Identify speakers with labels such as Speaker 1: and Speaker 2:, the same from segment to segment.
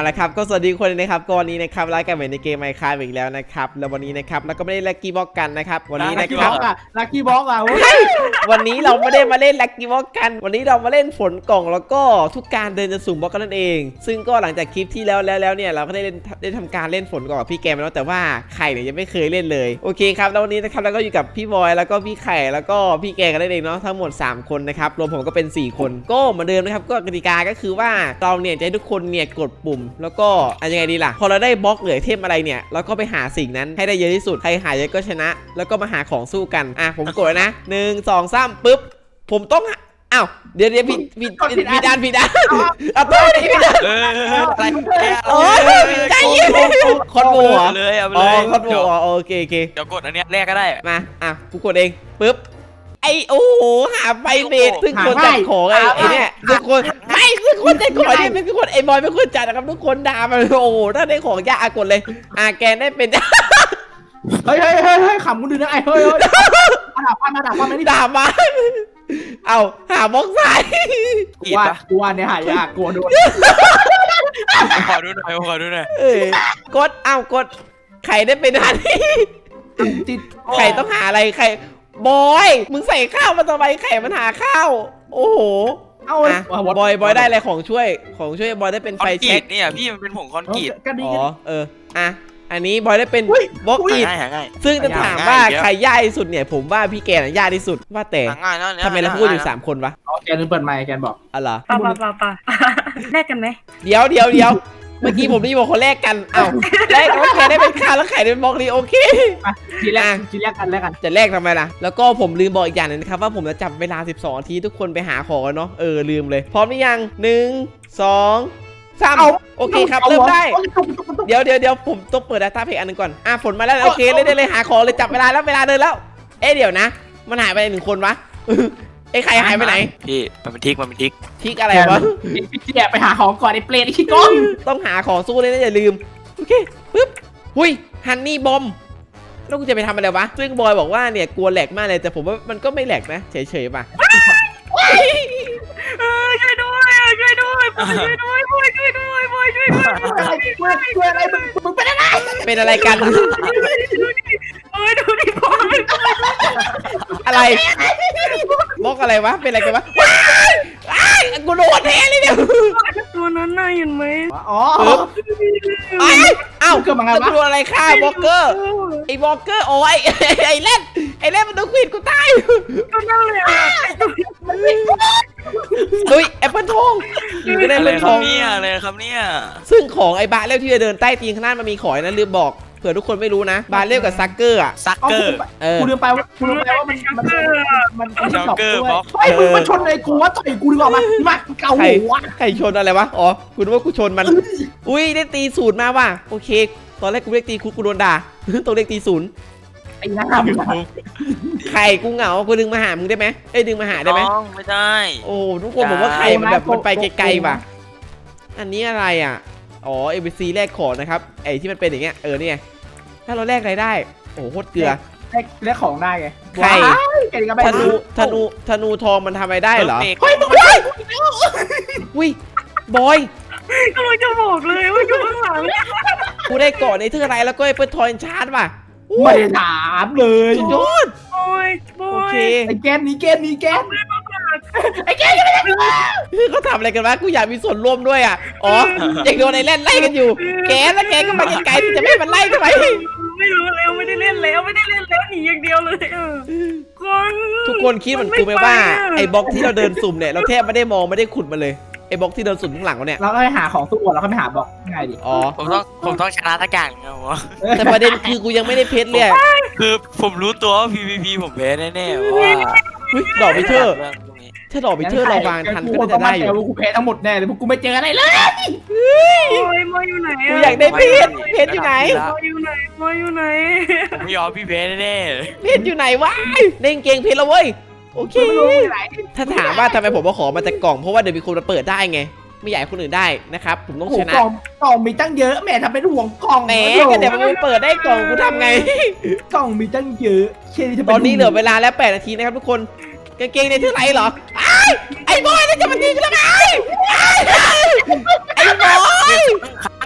Speaker 1: ละครับก็สวัสดีคนนะครับก่อนนี้นะครับไลฟ์กันเหมือนในเกม Minecraft อีกแล้วนะครับแล้ววันนี้นะครับเราก็ไม่ได้ลัคกี้บ็อกกันนะครับวันนี้นะครับ
Speaker 2: ลักกี้บ็อกอ่ะ
Speaker 1: วันนี้เราไม่ได้มาเล่นลัคกี้บ็อกกันวันนี้เรามาเล่นฝนกล่องแล้วก็ทุกการเดินจะสุ่มบล็อกกันนั่นเองซึ่งก็หลังจากคลิปที่แล้วเนี่ยเราก็ได้ทำการเล่นฝนกล่องกับพี่แกมแล้วแต่ว่าไข่เนี่ยยังไม่เคยเล่นเลยโอเคครับแล้ววันนี้นะครับเราก็อยู่กับพี่บอยแล้วก็พี่ไข่แล้วก็พี่แกกันนั่นเองเนาะทั้งหมด3คนนะครับรวมผมก็เป็น4คนก็เหมือนเดิมนะครับก็กติกาก็คือว่าเราเนี่ยจะให้ทุกคนเนี่ยกดปุ่มแล้วก็ยังไงดีล่ะพอเราได้บล็อกเหลือเทมอะไรเนี่ยเราก็ไปหาสิ่งนั้นให้ได้เยอะที่สุดใครหาเยอะก็ชนะแล้วก็มาหาของสู้กันผมกดนะ1 2 3ปึ๊บผมต้องอ้าวเดี๋ยวผิดด้านเอาตัวนี้ผิดด้านโอ้ยใจเย็นคอนโบ
Speaker 3: เลยเอาไป
Speaker 1: อ๋
Speaker 3: เล
Speaker 1: อย คอนโบโอเค
Speaker 3: เดี๋ยวกดอันเนี้ยแรกก็ได้
Speaker 1: มากูกดเองปึ๊บโอ้โหหาไฟเบสซึ่งคนจัดของไอ้เนี่ยทุกคนไม่คือคนจัดของเนี่ยเป็นคนไอ้บอยเป็นคนจัดนะครับทุกคนด่ามันโอ้โหถ้าได้ของยากกดเลยแกได้เป็น
Speaker 2: เฮ้ยขำกูดูนะเฮ้ยด่าป้าไม่ได้
Speaker 1: ด่ามาเอาหาบล็อกสาย
Speaker 2: ว่าเนี่ยหายากกลัวโดน
Speaker 3: ขอดูหน่อย
Speaker 1: กดไข่ได้เป็นอะไรไข่ต้องหาอะไรไข่บอยมึงใส่ข้าวมาทำไมไข่มันหาข้าวโอ้โหเอาบอยได้อะไรของช่วยบอยได้เป็นไฟแช็ก
Speaker 3: เนี่ยพี่มันเป็นผงคอนกรีต
Speaker 1: อันนี้บอยได้เป็นบล็อกอิฐซึ่งจะถามว่าใครยากที่สุดเนี่ยผมว่าพี่แกน่ะยากที่สุดว่าแต่ทำไมเราพูดอยู่3คนวะ
Speaker 2: แกนึงเปิดไมค์แกบอก
Speaker 1: อะไร
Speaker 4: ป่าแลกกันไหม
Speaker 1: เดี๋ยวเมื่อกี้ผมได้บอกคนแรกกันแรกแล้วแกได้เป็นข้าวแล้วไข่ได้เป็นบล็อกนี้โอเค
Speaker 2: ทีแรกกัน
Speaker 1: จะแรกทำไมล่ะแล้วก็ผมลืมบอกอีกอย่างนึงนะครับว่าผมจะจับเวลา12 นาทีทุกคนไปหาของกันเนาะลืมเลยพร้อมหรือยัง1 2 3โอเคครับเริ่มได้เดี๋ยวผมต้องเปิด Data Pack อันนึงก่อนฝนมาแล้วโอเคเลยหาของเลยจับเวลาแล้วเวลาเดินแล้วเดี๋ยวนะมันหายไป1 คนวะใครหายไปไหน
Speaker 3: พี่มันเป็นทิก
Speaker 1: อะไรวะ
Speaker 2: พี่ไปหาของก่อนไอ้เปรตไอ้ขี้ก้ม
Speaker 1: ต้องหาของสู้เลยนะอย่าลืมโอเคปึ๊บหุยฮันนี่บอมแล้วกูจะไปทำอะไรวะซึ่งบอยบอกว่าเนี่ยกลัวแหลกมากเลยแต่ผมว่ามันก็ไม่แหลกนะเฉยๆป่ะ
Speaker 4: ช่วยด้วยช่วย
Speaker 2: อะไรมึง
Speaker 1: เป็นอะไรกัน
Speaker 4: ดูดิบอล
Speaker 1: อะไรบล็อกอะไรวะเป็นอะไรกันวะกูโดนแทนเลยเนี่ย
Speaker 4: ตัวนั้นน่าเห็นไหม
Speaker 1: เกิดมาไงวะตัวอะไรฆ่าบล็อกเกอร์ไอ้บล็อกเกอร์โอ้ยไอ้เล่นมันต้องควิดกูตาย
Speaker 4: ก็นั่นเลย
Speaker 1: แอปเปิลทอง
Speaker 3: อะไรครับเนี่ย
Speaker 1: ซึ่งของไอ้บาเล่ที่จะเดินใต้ตีนข้างหน้ามันมีขอยนั้นลืมบอกเผื่อทุกคนไม่รู้นะบาเล่กับซักเกอร์
Speaker 2: กูลืมไปว่ามัน
Speaker 3: ซักเกอร์บล็อก
Speaker 2: มึงมาชนไอ้กูว่าต่อยกูดีกว่ามาเกาหัว
Speaker 1: ใครชนอะไรวะคุณว่ากูชนมันได้ตีศูนย์มาว่ะโอเคตอนแรกกูเรียกตีกูโดนด่าต้องเรียกตีศูนย์
Speaker 2: ไอ้หน้า
Speaker 1: ไข่กูเหงากูดึงมาหามึงได้ไหมดึงมาหาได้ไหม
Speaker 3: ไม่ได้
Speaker 1: โอ้ทุกคนบอกว่าไข่มันแบบมันไปไกลๆว่ะอันนี้อะไรABC แลกของนะครับไอ้ที่มันเป็นอย่างเงี้ยนี่ไงถ้าเราแลกอะไรได้โอ้โคตรเกลือ
Speaker 2: แลกของได้ไง
Speaker 1: ไข่ธนูทองมันทำอะไรได้เหรอ
Speaker 2: เฮ้ยมึงไม่ได้
Speaker 1: บอย
Speaker 4: กำลังจะบอกเลยว่าอยู่ข้างหลัง
Speaker 1: กูได้เกาะในเทือกอะไรแล้วก็ไอ้เปิดทอยชาร์จป่ะ
Speaker 2: ไม่ถามเลย
Speaker 1: สุดยอด
Speaker 4: โอเค
Speaker 2: ไอ้แกนไอ้แกน
Speaker 1: เขาทำอะไรกันวะกูอยากมีส่วนร่วมด้วยอยากโดนไอ้เล่นไล่กันอยู่แกแล้วแกก็มาไกลๆจะไม่มันไล่ทำไม
Speaker 4: ไม่รู้แล้วไม่ได้เล่นแล้วหนีอย่างเดียวเลย
Speaker 1: ทุกคนคิดเหมือนกูไหมว่าไอ้บล็อกที่เราเดินสุ่มเนี่ยเราแทบไม่ได้มองไม่ได้ขุดมาเลยไอ้บล็อกที่เดินสุ่มข้างหลังเนี่ย
Speaker 2: เราก็ไปหาของสู้แล้วก็ไปหาบล็อกง่ายดิ
Speaker 3: ผมต้องชนะทักอย่างครับ
Speaker 1: แต่ประเด็นคือกูยังไม่ได้เพชรเลย
Speaker 3: คือผมรู้ตัวว่า PVP ผมแพ้แน่ๆว่า
Speaker 1: ดอกพิเทอร์ถ้าดอกพิเทอร์เราวางทันก็น่าจะได้อยู่
Speaker 2: กูแพ้ทั้งหมดแน่เลยพวกกูไม่เจออะไรเลย
Speaker 4: มออยู่ไหน
Speaker 1: กูอยากได้เพชรอยู่ไหน
Speaker 4: มออยู่ไหน
Speaker 3: ผมไม่ยอมพี่แพ้แน่
Speaker 1: เพชรอยู่ไหนวะเล่นเกงเพชรแล้วเว้ยโอเคถ้าถามว่าทำไมผมมาขอมาจากกล่องเพราะว่าเดี๋ยวมีคนมาเปิดได้ไงไม่อยากให้คนอื่นได้นะครับผมต้องชนะ
Speaker 2: กล่องมีตั้งเยอะแม่ทำเป็นห่วงกล่อง
Speaker 1: แหมก็เดี๋ยวมันเปิดได้กล่องกูทำไง
Speaker 2: กล่องมีตั้งเยอะ
Speaker 1: ตอนนี้เหลือเวลาแล้ว8 นาทีนะครับทุกคนกางเกงในเท่าไหร่เหรอไอ้บอยนี่จะมายิงกูทำไมไอ้บอย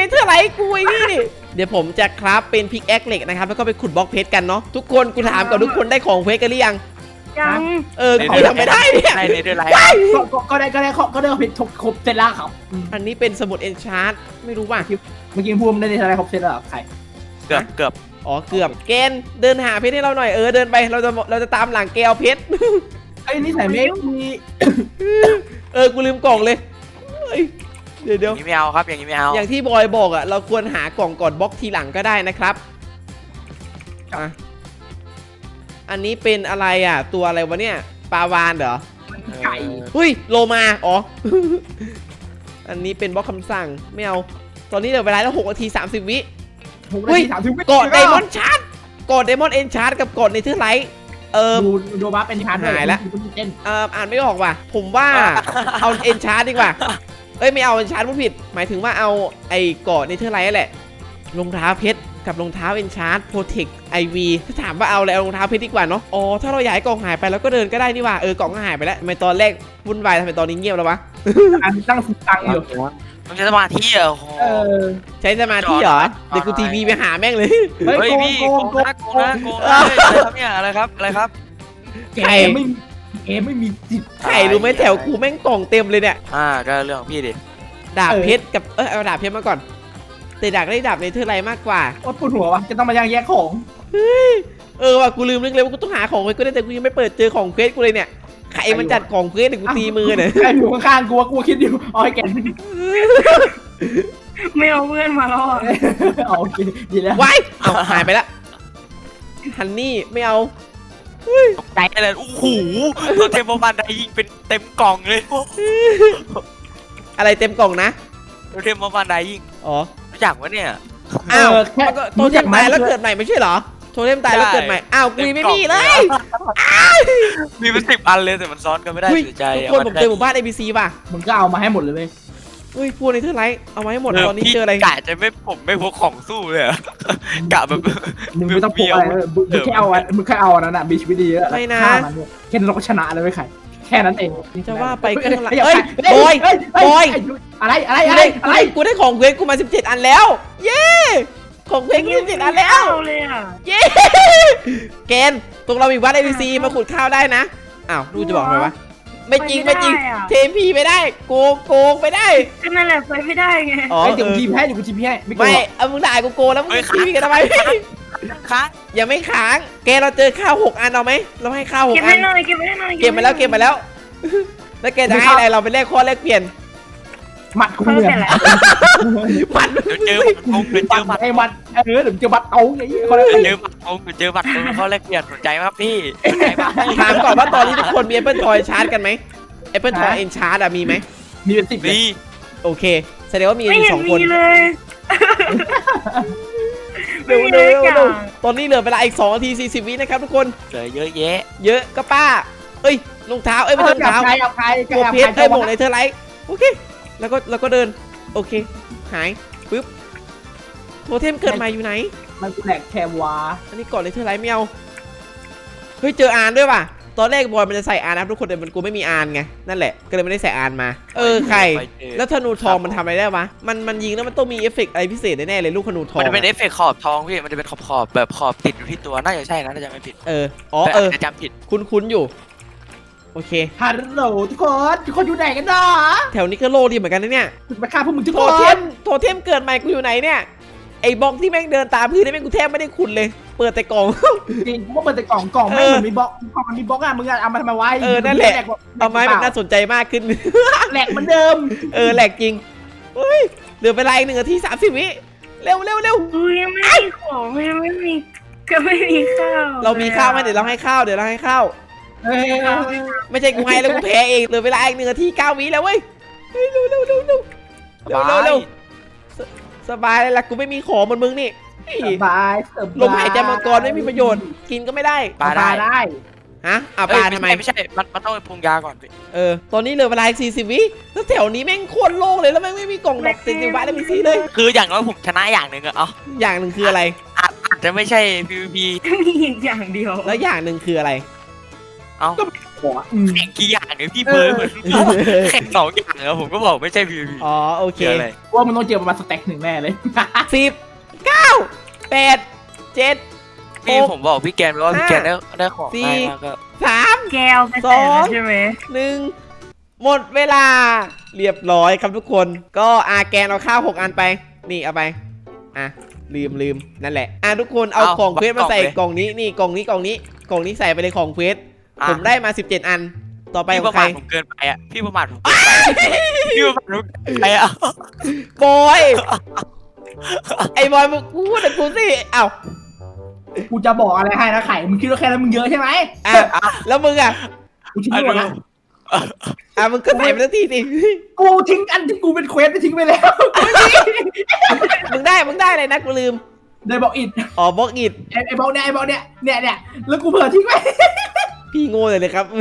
Speaker 1: เธอร์ไลท์กูไอ้นี่เดี๋ยวผมจะคราฟเป็นพิกแอคเหล็กนะครับแล้วก็ไปขุดบล็อกเพชรกันเนาะทุกคนกูถามก่อนทุกคนได้ของเพชรกันหรือยัง
Speaker 4: ยัง
Speaker 1: กูทำไม่ได้เนี่ย
Speaker 3: ในเดือนไร
Speaker 2: ก็ได้เพชรครบเสร็จแล้วครับ
Speaker 1: อันนี้เป็นสมุดเอนชาร์ตไม่รู้ว่า
Speaker 2: เมื่อกี้พูดได้อะไรครบเสร็จแล้วใคร
Speaker 3: เกือบ
Speaker 1: อ๋อเกือบเกณฑ์เดินหาเพชรให้เราหน่อยเดินไปเราจะตามหลังแกเอาเพชร
Speaker 2: ไอ้นี่ใส่เมฆมี
Speaker 1: กูลืมกล่องเลยเฮ้ยเดี๋ยว
Speaker 3: อย่างนี้ไม่เอาครับอย่างนี้ไม่เอา
Speaker 1: อย่างที่บอยบอกอ่ะเราควรหากล่องก่อนบล็อกทีหลังก็ได้นะครับอ่ะอันนี้เป็นอะไรอ่ะตัวอะไรวะเนี่ยปลาวานเหรอ
Speaker 2: ไก่
Speaker 1: เฮ้ยโลมาอ๋อ อันนี้เป็นบล็อกคำสั่งไม่เอาตอนนี้เหลือเวลาแล้ว6 นาที 30 วิ
Speaker 2: 6 นาที 30
Speaker 1: กดไดมอนด์ชาร์จกดไดมอนด์เอนชาร์จกับกดในเทอร์ไลท์
Speaker 2: ดูบัฟเป็นชาร์จ
Speaker 1: หายละ
Speaker 2: เต้น
Speaker 1: อ่านไม่ออกว่ะผมว่าเอาเอนชาร์จดีกว่าไม่เอาเอนชาร์จพูดผิดหมายถึงว่าเอาไอ้กดในเทอร์ไลท์แหละรองเท้าเพชรกับรองเท้าเอนชาร์จโปรเทคไอวีถ้าถามว่าเอาอะไรเอารองเท้าเพชรดีกว่าเนาะอ๋อถ้าเราย้ายกล่องหายไปแล้วก็เดินก็ได้นี่ว่ะกล่องก็หายไปแล้วทำไมตอนแรกวุ่นวายทำไมตอนนี้เงียบแล้ววะ
Speaker 2: อันตั้งสุดตังอยู่
Speaker 3: มันจะสมาธิอ่ะโอ้โห
Speaker 1: ใช้สมาธิเหรอเดี๋ยวกูทีวีไปหาแม่งเลย
Speaker 3: เฮ้ยพี่โกงนะโกงนะอะไรครับเนี่ยอะไรครับ
Speaker 2: แกไม่มีจิต
Speaker 1: ใครรู้ไหมแถวกูแม่งกล่องเต็มเลยเนี่ย
Speaker 3: ก็เรื่องของพี่ดิ
Speaker 1: ดาบเพชรกับเอาดาบเพชรมาก่อนแต่ดาบได้ดาบในเทอร์ไลท์มากกว่า
Speaker 2: ว่าปวดหัววะจะต้องมาแยกของ
Speaker 1: ว่ะกูลืมนึกเลยว่ากูต้องหาของเควสกูได้แต่กูยังไม่เปิดเจอของเควสกูเลยเนี่ยใครมันจัดของเควสเนี่ยกูตีมือเนี่ย
Speaker 2: ใครอยู่ข้างๆกูว่ากูคิดอยู่อ๋อไอ้แก
Speaker 4: ไม่เอาเพื่อนมาแล้วอ่ะ
Speaker 2: โอเคดีแล้ว
Speaker 1: ว้ายเอาหายไปละฮันนี่ไม่เอา
Speaker 3: ตกใจเลยโอ้โหตัวเทมโบมันไดยิงเป็นเต็มกล่องเลย
Speaker 1: อะไรเต็มกล่องนะ
Speaker 3: ตัวเทมโบมันไดยิง
Speaker 1: อ๋อ
Speaker 3: รู้จักวะเนี่ย
Speaker 1: อ้าวมันก็โทเทมตายแล้วเกิดใหม่ไม่ใช่เหรอโทเทมตายแล้วเกิดใหม่อ้าวกูยังไม่มีเลย
Speaker 3: มีเป็น10 อันเลยแต่มันซ้อนกันไม่ได้
Speaker 1: เฮ้ย
Speaker 3: เสียใจ
Speaker 1: ทุกคนผมเจอหมู่บ้าน ABC ป่ะ
Speaker 2: มึงก็เอามาให้หมดเลยเว้ย
Speaker 1: เฮ้ยพวกในเทอร์ไลท์เอามาให้หมดตอนนี้เจออะไร
Speaker 3: กะจะไม่ผมไม่พกของสู้เลยกะแบบ
Speaker 2: มึงไม่ต้องพกอะไรมึงแค่เอามึงแค่เอาอันนั้นอ่ะมีชีวิตดีเยอะแค่นั้นเราก็ชนะเลยเว้ยไข่แค่นั้นเอง
Speaker 1: จะว่าไปก็เฮ้ยบอย
Speaker 2: อะไร
Speaker 1: กูได้ของเควสกูมา17 อันแล้ว เย้ของเควสกู17 อันแล้ว
Speaker 4: เลยอ่ะ
Speaker 1: เย้เกณฑ์ตรงเรามีวัด ABC มาขุดข้าวได้นะอ้าวดูจะบอกทำไมวะไม่จริงเทพีไม่ได้โกงไม่ได้
Speaker 4: ก็นั่นแหละไปไม่ได้ไง
Speaker 1: อ๋อ
Speaker 2: เดี๋ยวกูทีมให้
Speaker 1: ไม่เอามึงด่ากูโกงแล้วมึงทีพีกันทำไม
Speaker 3: ค้าง
Speaker 1: ยังไม่ค้างแกเราเจอข้าว6 อันเอาไหมเราให้ข้าว6
Speaker 4: เก็บ
Speaker 1: อั
Speaker 4: ให้
Speaker 1: น
Speaker 4: หน่อยเก็บให้หน่อย
Speaker 1: เก็บมาแล้วแล้วแกจะให้อะไรเราไปแลกข้อแลกเปลี่ยน
Speaker 2: หมัดกูเนี่ย
Speaker 1: มัน
Speaker 3: เดี๋ยวเจอหมัด
Speaker 2: ไอ้มัดเดี๋ยวเจอมัดเอาไงคน
Speaker 3: เจอหมัดเจอหมัดเขาแลกเปลี่ยนสนใจไหมครับพี่สนใจป่ะ
Speaker 1: ถามก่อนว่าตอนนี้ทุกคนมี Apple Toy ชาร์จกันไหม Apple Toy Enchant อะมีไหม
Speaker 2: มีเป็น10เลย
Speaker 3: นี่
Speaker 1: โอเคแสดงว่ามี
Speaker 4: ไม่
Speaker 1: อยู่
Speaker 4: เห็น
Speaker 1: 2 ค
Speaker 4: มี
Speaker 1: น
Speaker 4: เลยไม่มี
Speaker 1: เร็
Speaker 4: เลยว กัน
Speaker 1: ตอนนี้เหลือเวลาอีก2 นาที 40 วินะครับทุกคน
Speaker 3: เจอเยอะแยะ
Speaker 1: เยอะก็ป้าเอ้ยรองเท้าไม่ใช่รองเท้า
Speaker 2: เอาใคร
Speaker 1: หมวกเพชรหมวกในเธอร์ไลท์โอเคแล้วก็เดินโอเคหายปึ๊บโทเทมเกิดใหม่อยู่ไหน
Speaker 2: มันแหลกแคมวา
Speaker 1: อันนี้ก่อนในเธอร์ไลท์ไม่เอาเฮ้ยเจออานด้วยว่ะตอนแรกบอยมันจะใส่อานนะทุกคนแต่มันกูไม่มีอานไงนั่นแหละก็เลยไม่ได้ใส่อานมาใครแล้วธนูทองมันทำอะไรได้วะมันยิงแล้วมันต้องมีเอฟเฟกต์อะไรพิเศษแน่ๆเลยลูกธนูทอง
Speaker 3: มันจะเป็นเอฟเฟกต์ขอบทองพี่มันจะเป็นขอบแบบขอบติดอยู่ที่ตัวน่าจะใช่นะน่าจะไม่ผิด
Speaker 1: จะ
Speaker 3: จำผิด
Speaker 1: คุ้นอยู่โอเค
Speaker 2: ฮัลโหลทุกคนอยู่ไหนกันเนาะ
Speaker 1: แถวนี้ก็โลดีเหมือนกันนะเนี่ย
Speaker 2: มาฆ่าพวกมึงทุก
Speaker 1: โท
Speaker 2: คน
Speaker 1: เทมเกิดใหม่กูอยู่ไหนเนี่ยไอ้บล็อกที่แม่งเดินตามพื้นนี่แม่งกูแทบไม่ได้ขุดเลย เปิดแต่กล่อง
Speaker 2: จริงกูว่าเปิดแต่กล่องไม่เหมือนมีบล็อกมันมีบล็อกอ่ะมึงเอามาทำไมไว้
Speaker 1: นั่นแหละเอาไม้มันน่าสนใจมากขึ้น
Speaker 2: แหลกเหมือนเดิม
Speaker 1: แหลกจริงเฮ้ยเหลือเวลาอีก1 นาที 30 วิเร็ว
Speaker 4: อุ้ยไม่มีของไม่มีก็ไม่มีข้าว
Speaker 1: เรามีข้าวไหมเดี๋ยวเราให้ข้าว ไม่ใช่กูให้แล้วกูแพ้เองเหลือเวลาอีก1 นาที 9 วิแล้วเว้ยเร็วสบายเลยล่ะกูไม่มีของเหมือนมึงนี่
Speaker 2: บาย
Speaker 1: ลมหายใจมังกรไม่มีประโยชน์กินก็ไม่ได้
Speaker 2: ปลาได้
Speaker 1: ฮะปลาทำไม
Speaker 3: ไม่ใช่มันต้องไปปรุงยาก่อนพี่
Speaker 1: ตอนนี้เหลือเวลาอีก40 วิแล้วแถวนี้แม่งโคตรโล่งเลยแล้วแม่งไม่มีกล่องดอกติดอยู่บ้านแล้วมีซีเลย
Speaker 3: คืออย่างน้อยผมชนะอย่างหนึ่งอะ
Speaker 1: อย่างหนึ่งคืออะไร
Speaker 3: อาจจะไม่ใช่ PVP
Speaker 4: มีอีกอย่างเดียว
Speaker 1: แล้วอย่างหนึ่งคืออะไร
Speaker 3: เอ้า
Speaker 2: บอกอ่ะ
Speaker 3: แข่งกี่อย่างไงพี่เบิร์ดเหมือนแข่ง2 อย่างอะผมก็บอกไม่ใช่ PVP
Speaker 1: อ๋อโอเค
Speaker 3: เกี่ยวอะไร
Speaker 2: ว่ามันต้องเจอประมาณสเต็กหนึ่งแน่เลย
Speaker 1: 10 9 8 7
Speaker 3: พี่ผมบอกพี่แกนว่าพี่แกนได้ของ
Speaker 1: สี่
Speaker 3: ได้มากก็
Speaker 1: 3
Speaker 4: แก้วไปใส่แล้วใช่ไหม
Speaker 1: 1หมดเวลาเรียบร้อยครับทุกคนก็แกนเอาข้าว6 อันไปนี่เอาไปลืมนั่นแหละทุกคนเอาของเควสมาใส่กล่องนี้นี่กล่องนี้ใส่ไปเลยของเควสผมได้มา17 อันต่อไป
Speaker 3: พี่
Speaker 1: ข
Speaker 3: ป
Speaker 1: อง
Speaker 3: ระ
Speaker 1: ใคร
Speaker 3: มาทผมเกินไปอ่ะพี่ประมาทผมเกินไปพี่ประมาทผมเกินไปอ่ะ
Speaker 1: บอยไอ้บอยมึงพูดแต่กูสิเอ้า
Speaker 2: กูจะบอกอะไรให้นะไข่มึงคิดว่าแค่นั้นมึงเยอะใช่ไหม
Speaker 1: แล้วมึง
Speaker 2: กูทิ้งหมดนะ
Speaker 1: มึงก็ใส่ไปสักทีสิ
Speaker 2: กูทิ้งอันที่กูเป็นเควสไปทิ้งไปแล้ว
Speaker 1: มึงได้เลยนะกูลืม
Speaker 2: ได้บอกอิด
Speaker 1: บล็อกอิด
Speaker 2: ไอ้บอกเนี่ยแล้วกูเผื่อทิ้งไป
Speaker 1: พี่โง่เลยครับ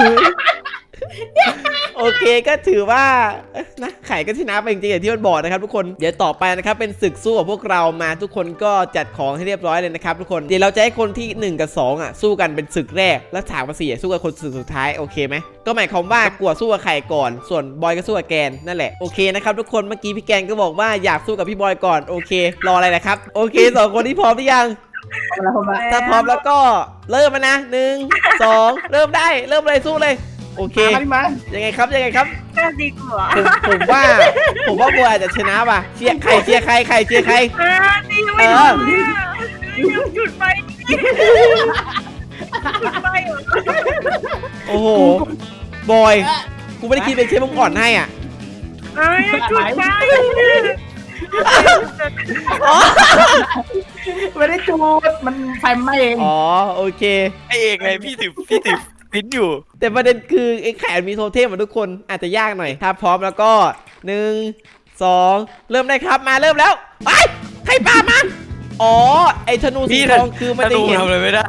Speaker 1: โอเคก็ถือว่านะไข่ก็ชนะไปจริงๆอย่างที่มันบอกนะครับทุกคนเดี๋ยวต่อไปนะครับเป็นศึกสู้กับพวกเรามาทุกคนก็จัดของให้เรียบร้อยเลยนะครับทุกคนเดี๋ยวเราจะให้คนที่1 กับ 2สู้กันเป็นศึกแรกแล้ว3 กับ 4สู้กับคนศึกสุดท้ายโอเคไหมก็หมายความว่ากลัวสู้กับไข่ก่อนส่วนบอยก็สู้กับแกนนั่นแหละโอเคนะครับทุกคนเมื่อกี้พี่แกนก็บอกว่าอยากสู้กับพี่บอยก่อนโอเครออะไรนะครับโอเค2 คนที่พร้อมหรือยังถ้าพร้อมแล้วก็เริ่มมานะ1 2เริ่มได้เริ่มเลยสู้เลยโอเค
Speaker 2: มา
Speaker 1: ยังไงครับ
Speaker 4: น่าดีกว่า
Speaker 1: ผมว่าบัวอาจจะชนะป่ะเชียร์ใครเชียร์ใคร
Speaker 4: ดีไม่รู้จุดไฟจุดไฟ
Speaker 1: โอ้โหบอยกูไม่ได้คิดเป็นเชฟมึงอ่อนให้อ่ะ
Speaker 4: จุดไฟ
Speaker 2: ไม่ได้จูดมันไฟไหม้เอง
Speaker 1: อ๋อโอเค
Speaker 3: ไอเองเลยพี่ถือพิ้นอยู่
Speaker 1: แต่ประเด็นคือไอ้แขนมีโทเทมเหมือนทุกคนอาจจะยากหน่อยถ้าพร้อมแล้วก็1 2เริ่มได้ครับมาเริ่มแล้วไปให้ปามาอ๋อไอ้ธนูสีทองคือมันจะเห็น
Speaker 3: ทำอะไรไม่ได้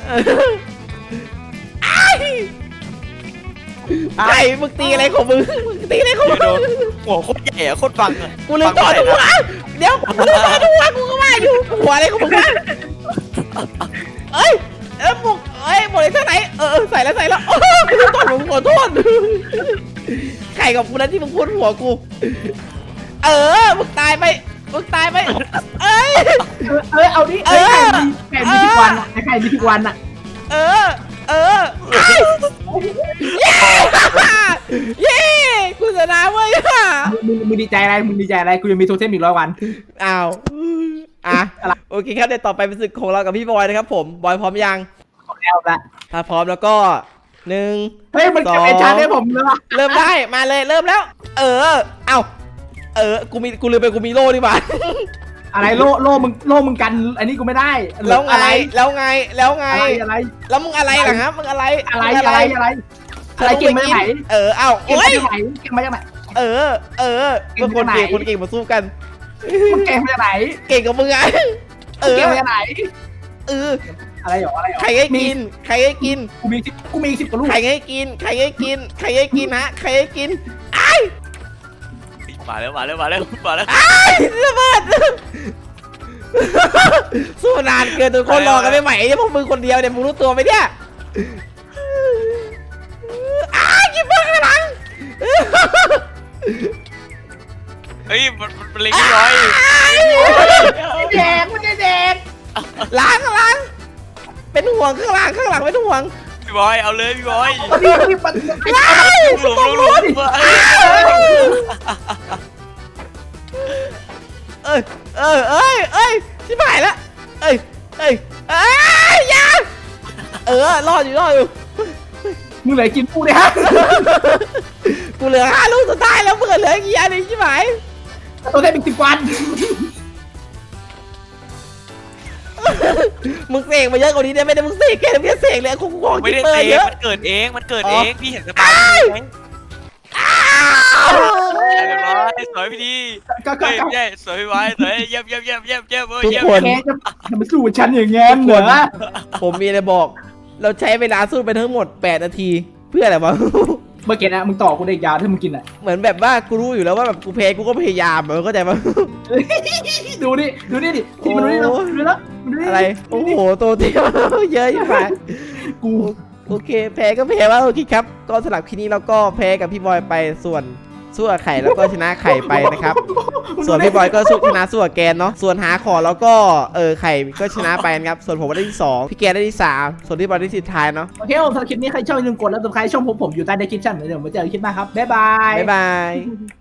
Speaker 1: ไอ้มึงตีอะไรของมึงตีอะไรของมึง
Speaker 3: โดนหัวโคตรใหญ่อะโคตรฟังอะ
Speaker 1: กูลืมต่อดูวะเดี๋ยวกูลืมต่อดูวะกูก็ว่าอยู่หัวอะไรของมึงวะหมวกหมวกอะไรเท่าไหร่ใส่แล้วโอ้กูลืมต่อมึงขอโทษไข่กับกูนั้นที่มึงพูดหัวกูมึงตายไป
Speaker 2: เอาดิไข่มีทุกวันอะไข่มีทุกวันอะ
Speaker 1: เย้กูชนะเว้ย
Speaker 2: มึงดีใจอะไรกูยังมีโทเทมอีก100 วัน
Speaker 1: อ้าวโอเคครับเดี๋ยวต่อไปเป็นศึกของเรากับพี่บอยนะครับผมบอยพร้อมยัง
Speaker 2: แล้วละ
Speaker 1: ถ้าพร้อมแล้วก็1
Speaker 2: เฮ้ยมันเก็บไอ้ชาได้ผมเลยว่ะ
Speaker 1: เริ่มได้มาเลยเริ่มแล้วกูลืมไปกูมีโล่ดีกว่า
Speaker 2: อะไรโล่มึงกันอันนี้กูไม่ได้
Speaker 1: แล้วไงอะไรแล้วมึงอะไรล่ะครับมึงอะไร
Speaker 2: เก่งมาจากไหน
Speaker 1: โอ้ย
Speaker 2: เก่งมาจากไหน
Speaker 1: เมื่อคนเก่งมาสู้กัน
Speaker 2: มึงเก่งมาจากไหน
Speaker 1: เก่งกับมึงไง
Speaker 2: เก่งมาจากไหนอะไรหรอ
Speaker 1: ใครให้กิน
Speaker 2: กูมี10 กว่าลูก
Speaker 1: ใครให้กินฮะใครให้กิน
Speaker 3: มาแล้วระเบิด
Speaker 1: สู้นานเกินทุกคนรอกันไม่ไหวพวกมึงคนเดียวเนี่ยมึงรู้ตัวไหมเนี่ยกินเบอร์ข้างหลัง
Speaker 3: เฮ้ยมันเล็งน้อย
Speaker 2: มันจะแดง
Speaker 1: ล้างเป็นห่วงข้างหลังเป็นห่วง
Speaker 3: พี่บอยเอาเลยพี่บอย
Speaker 2: พี่ปัด
Speaker 3: หลุม
Speaker 1: ชิบหายแล้วอย่ารออยู่
Speaker 2: มึงเหลือกินกูเนี่ยฮะ
Speaker 1: กูเหลือ5 ลูกสุดท้ายแล้วมึงเหลือกี่อันชิบหาย
Speaker 2: ตัวได้เป็น10 วัน
Speaker 1: มึงเสกมาเยอะกว่านี้ได้ไหมมึงเสกแค่เสกเลยของ
Speaker 3: ไม่ได้เสกมันเกิดเองพี่เห็นสปาไหมสวยพี่ดีสวยพี่ไว้สวยเยี่ยม
Speaker 1: ทุกคน
Speaker 2: จะมาสู้กับฉันอย่างงี้เหรอ
Speaker 1: ผมมีอะไรบอกเราใช้เวลาสู้ไปทั้งหมด8 นาทีเพื่ออะไรวะ
Speaker 2: เมื่อกี้นะมึงต่อกูได้ยาวถ้ามึงกินอ่ะ
Speaker 1: เหมือนแบบว่ากูรู้อยู่แล้วว่าแบบกูแพ้กูก็พยายามเข้าใจปะ
Speaker 2: ดูดิที่มันดูแล้ว
Speaker 1: อะไรโอ้โหโตเตี้ยเยอะยิ่งไปโอเคแพ้ก็แพ้ว่าโอเคครับก็สำหรับคลิปนี้เราก็แพ้กับพี่บอยไปส่วนสู้กับไข่แล้วก็ชนะไข่ไปนะครับส่วนพี่บอยก็ชนะสู้กับแกนเนาะส่วนหาของแล้วก็ไข่ก็ชนะไปนะครับส่วนผมได้ที่2พี่แกนได้ที่3ส่วนพี่บอยได้ที่สุดท้ายเนาะ
Speaker 2: โอเคผมสำหรับคลิปนี้ใครชอบอย่าลืมกดแล้วสไครต์ช่องผมอยู่ใต้ description เดี๋ยวมาเจอกันคลิปหน้าครับบ๊ายบาย
Speaker 1: บ๊ายบาย